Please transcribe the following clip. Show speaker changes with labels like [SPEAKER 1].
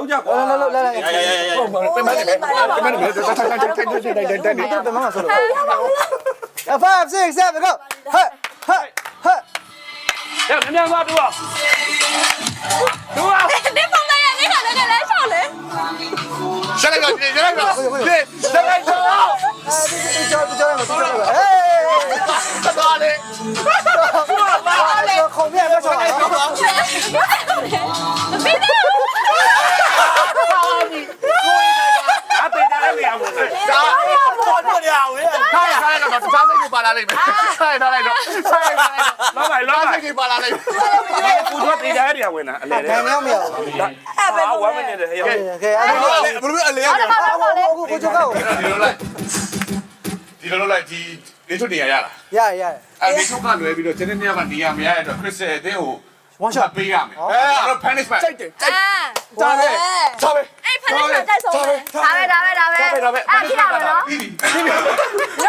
[SPEAKER 1] လောက်ကြကွာ
[SPEAKER 2] 来，
[SPEAKER 3] ပြန်မနေပဲပြန်မနေပဲတိုက်
[SPEAKER 2] 怎么说了？5, 6, 7, go！ 嘿，嘿，嘿！
[SPEAKER 1] ရမြန်သွားတူအောင်တူအောင်
[SPEAKER 4] 你放在眼里看那个人少嘞。
[SPEAKER 3] ဆက်လိုက်တော့ဆက်လိုက်တော့ဆက်လိုက်တော့
[SPEAKER 2] 哎，
[SPEAKER 3] သွားလေ
[SPEAKER 2] 后面不说了。
[SPEAKER 1] ဒါပေတာလည်းမရဘူး
[SPEAKER 3] ဒါပေါ်တော့ရအောင်လေထားရထားလိုက်တော့စားစိတ်ကိုပါလာလိမ့်မယ်ထားရထားလိုက်တော့ထားရထားလိုက်တော့
[SPEAKER 1] လောက်ပါလောက်ပါ
[SPEAKER 3] စိတ်ကိုပါလာလိမ့်မယ်
[SPEAKER 1] ပူတော့တေးတယ်ရဝင်တာအလဲလေ
[SPEAKER 2] 看没有没有？
[SPEAKER 1] ဝမ်းမနေတယ်ဟဲ့
[SPEAKER 2] 可以，
[SPEAKER 3] ဘယ်လိုအလဲရ
[SPEAKER 2] 我就告。
[SPEAKER 3] ဒီလိုလိုက်ဒီနေထုတ်နေရလား
[SPEAKER 2] 呀呀，
[SPEAKER 3] အဲဒီထုတ်ကလွယ်ပြီးတော့ကျန်တဲ့နေရာကနေရာမရရတော့ခရစ်စတယ်အတင်းကိုပေးရမယ်အဲ့တော့ punishment
[SPEAKER 4] 哎，
[SPEAKER 3] ဒါပဲဒါပဲ
[SPEAKER 4] 哎，潘队长在手里。打呗。啊，听到没有？
[SPEAKER 3] ပြီးပြီ